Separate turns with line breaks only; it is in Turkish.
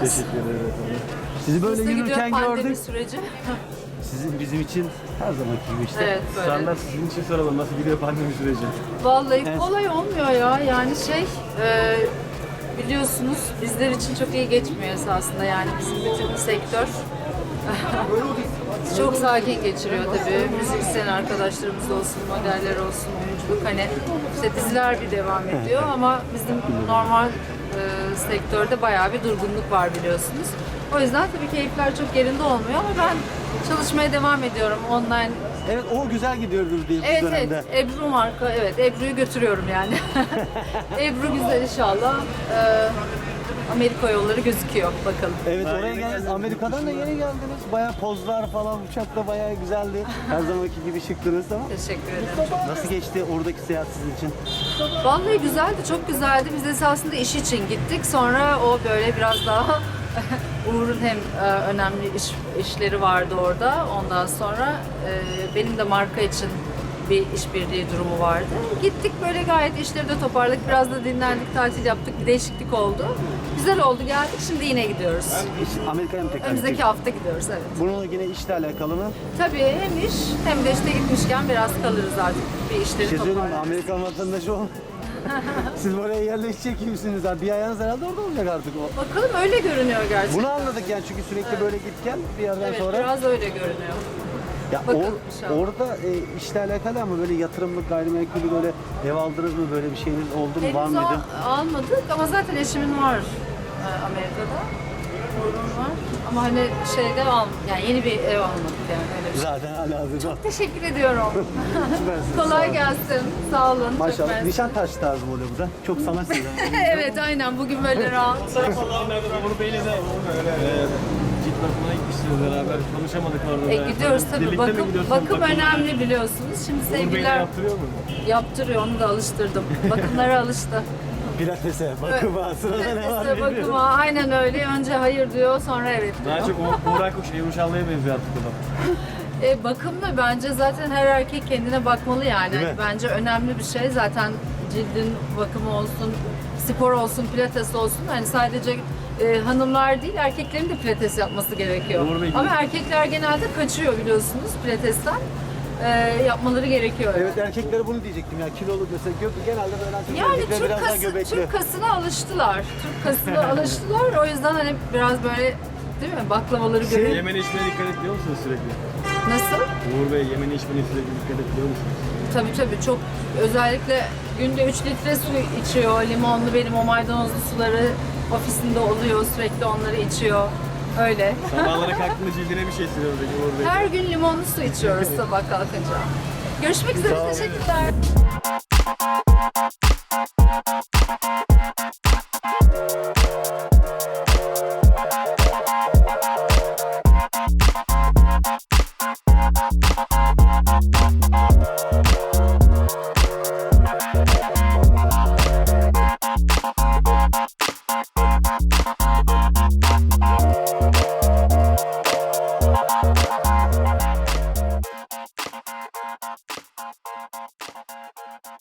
Teşekkür ederim.
Sizi böyle
Nasıl gidiyor
yürürken
pandemi
gördük.
süreci?
Sizin bizim için her zamanki gibi işte.
Evet böyle.
Standart sizin için soralım. Nasıl gidiyor pandemi süreci?
Vallahi
Evet.
kolay olmuyor ya. Yani biliyorsunuz bizler için çok iyi geçmiyor esasında. Yani bizim bütün sektör çok sakin geçiriyor tabii. Müzisyen arkadaşlarımız olsun, modeller olsun, oyunculuk hani işte diziler bir devam ediyor ama bizim normal sektörde bayağı bir durgunluk var biliyorsunuz. O yüzden tabii keyifler çok yerinde olmuyor ama ben çalışmaya devam ediyorum online.
Evet, o güzel gidiyordur diye bu
Evet
dönemde.
evet, Ebru marka, evet Ebru'yu götürüyorum yani. Ebru güzel inşallah. Amerika yolları gözüküyor bakalım.
Evet,
Daha
oraya
yeni
geldiniz.
geldim.
Amerika'dan da yeni geldiniz. Bayağı pozlar falan uçakta bayağı güzeldi. Her zamanki gibi şıktınız ama.
Teşekkür ederim.
Nasıl geçti oradaki seyahat sizin için?
Vallahi güzeldi, çok güzeldi. Biz esasında iş için gittik. Sonra o böyle biraz daha Uğur'un hem önemli işleri vardı orada. Ondan sonra benim de marka için bir işbirliği durumu vardı. Gittik böyle gayet işleri de toparladık. Biraz da dinlendik, tatil yaptık. Bir değişiklik oldu. Güzel oldu, geldik. Şimdi yine gidiyoruz.
Amerika'ya mı tekrar
Önümüzdeki
gideceksiniz?
hafta gidiyoruz, evet.
Bununla yine işle alakalı mı?
Tabii hem iş hem de işte gitmişken biraz kalırız artık. Bir
Bir
işleri
şey söyleyeyim mi?
toparlarız.
Amerikan vatandaşı olun. Siz buraya yerleşecek gibisiniz abi. Bir ayağınız herhalde orada olacak artık o.
Bakalım öyle görünüyor gerçekten.
Bunu anladık yani çünkü sürekli böyle git gel bir yerden
Evet,
sonra.
biraz öyle görünüyor.
Ya
bakalım inşallah.
orada işle alakalı ama böyle yatırımlık gayrimenkulü böyle ev aldınız mı, böyle bir şeyiniz oldu mu, var
Henüz
mıydı?
almadık ama zaten eşimin var Amerika'da. Oğlum var. Ama hani yani yeni bir ev almadık yani öyle bir şey.
Zaten halihazırda.
Teşekkür ediyorum.
Süpersiniz, sağ
Kolay
olun.
gelsin. Sağ olun. Çok
Maşallah.
mersi.
Nişantaşı tarzı oluyor bu da. Çok sanatsız.
Evet aynen bugün böyle rahat.
Uğur Bey'le de cilt bakımına gitmişsiniz beraber. Konuşamadık orada da.
Gidiyoruz tabii.
Birlikte mi gidiyorsunuz?
Bakım önemli biliyorsunuz. Şimdi
Uğur Bey de
sevgililer
yaptırıyor mu?
yaptırıyor. Onu da alıştırdım. Bakımlara alıştı.
Pilatese, bakıma, sırada ne var
İşte
bilmiyorum.
bakıma aynen öyle. Önce hayır diyor, sonra evet diyor.
Daha çok Uğur Akkuş, Ebru Şallı'ya benziyor artık o da.
Bakımla bence zaten her erkek kendine bakmalı yani.
Değil mi?
Bence önemli bir şey. Zaten cildin bakımı olsun, spor olsun, pilates olsun. Hani sadece hanımlar değil, erkeklerin de pilates yapması gerekiyor.
Doğru bilgi.
Ama erkekler genelde kaçıyor biliyorsunuz pilatesten. Yapmaları gerekiyor.
Evet, erkeklere bunu diyecektim ya, kiloluk mesela genelde böyle erkekler
Yani
biraz daha göbekli.
Türk kasına alıştılar. Türk kasına alıştılar. O yüzden hani biraz böyle değil mi baklavaları görüyor.
Yemene içmene dikkat ediyor musunuz sürekli?
Nasıl?
Uğur Bey yemene içmene sürekli dikkat ediyor musunuz?
Tabii çok özellikle günde 3 litre su içiyor. Limonlu benim o maydanozlu suları ofisinde oluyor. Sürekli onları içiyor. Öyle.
Sabahlara kalktığında cildine bir şey sürüyor peki Uğur Bey.
Her gün limonlu su içiyoruz sabah kalkınca. Görüşmek üzere.
Sağ olun.
Teşekkürler.